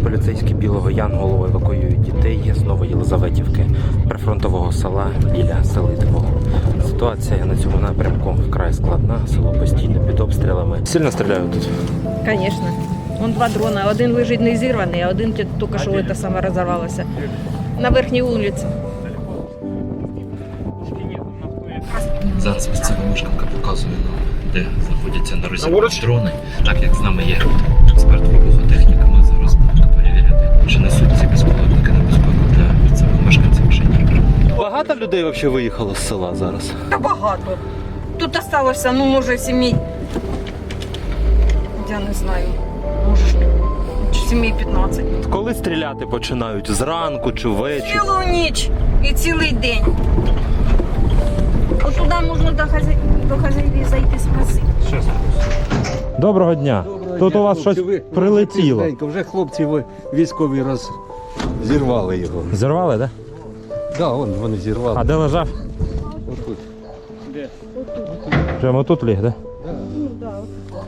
Поліцейські Білого Янголу евакуюють дітей з Новоєлизаветівки, прифронтового села біля Селитвого. Ситуація на цьому напрямку вкрай складна, село постійно під обстрілами. Сильно стріляють тут? Звісно. Вон два дрона. Один лежить не зірваний, а один тільки що це саме розірвалося. На верхній вулиці. Зараз місцева мешканка показує нам, де знаходяться на розірвані дрони. Так як з нами є експерт вибухотехніка, ми зараз будемо перевіряти, чи несуть ці безпілотники небезпеку для місцевих мешканців чи ні. Багато людей взагалі виїхало з села зараз? Та багато. Тут залишилося, ну, може, сімей, я не знаю, може, сімей 15. Коли стріляти починають? Зранку чи ввечері? Цілу ніч і цілий день. От туди можна до хазяїв зайти спросити. Доброго дня. Тут у вас щось прилетіло. Вже хлопці військові зірвали його. Зірвали, так? Так, вони зірвали. А де лежав? Отут. Прямо тут ліг, так? Ну, так.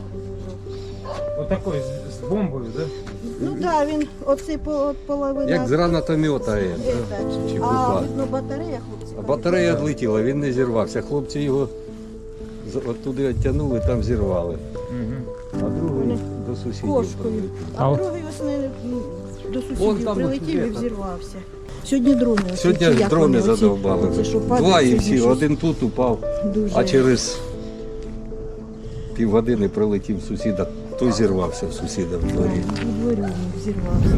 Отакий з бомбою, так? Ну так, він оцей половина. Як з гранатомета. Чи А купа. видно батарея, хлопці. А батарея відлетіла, він не зірвався. Хлопці його оттуди відтягнули, там зірвали. А другий до сусідів. Кошкою. А А от- другий ось до Вон сусідів там прилетів і от взірвався. Сьогодні дрони. оці, Сьогодні чи як дрони вони, оці- задовбали. оці, що Два падають, і сьогодні всі, щось один тут упав, дуже. а через півгодини прилетів сусіда, той зірвався в сусіда в дворі. У дворі він взірвався.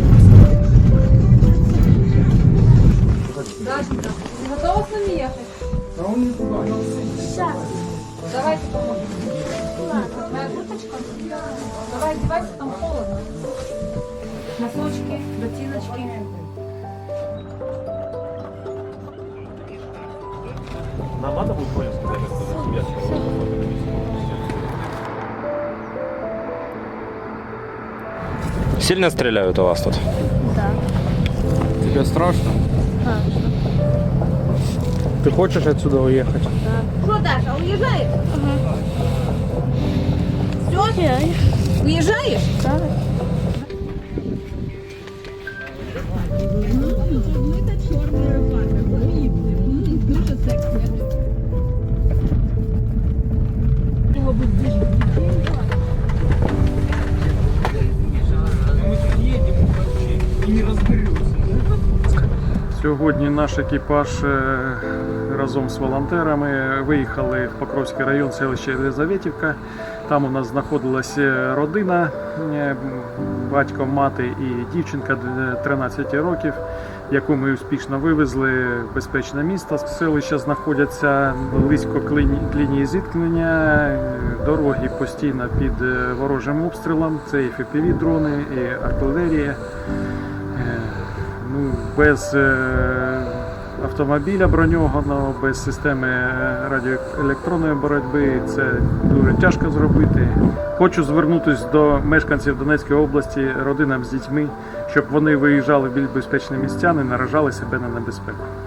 Готова с нами ехать? Давайте поможем. Моя курточка? Давай одевайся, там холодно. Носочки, ботиночки. Нам надо будет Коле сказать, что за тебя Сильно стріляють у вас тут? Тебе страшно? Ты хочешь отсюда уехать? Що, Даша, уїжджаєш? Все? Уїжджаєш? Так. Сьогодні наш екіпаж разом з волонтерами виїхали в Покровський район, селище Єлизаветівка. Там у нас знаходилася родина, батько, мати і дівчинка 13 років, яку ми успішно вивезли в безпечне місто. Селища знаходяться близько лінії зіткнення, дороги постійно під ворожим обстрілом, це і FPV-дрони, і артилерія. Ну, без автомобіля броньованого, без системи радіоелектронної боротьби це дуже тяжко зробити. Хочу звернутися до мешканців Донецької області, родинам з дітьми, щоб вони виїжджали в більш безпечні місця, не наражали себе на небезпеку.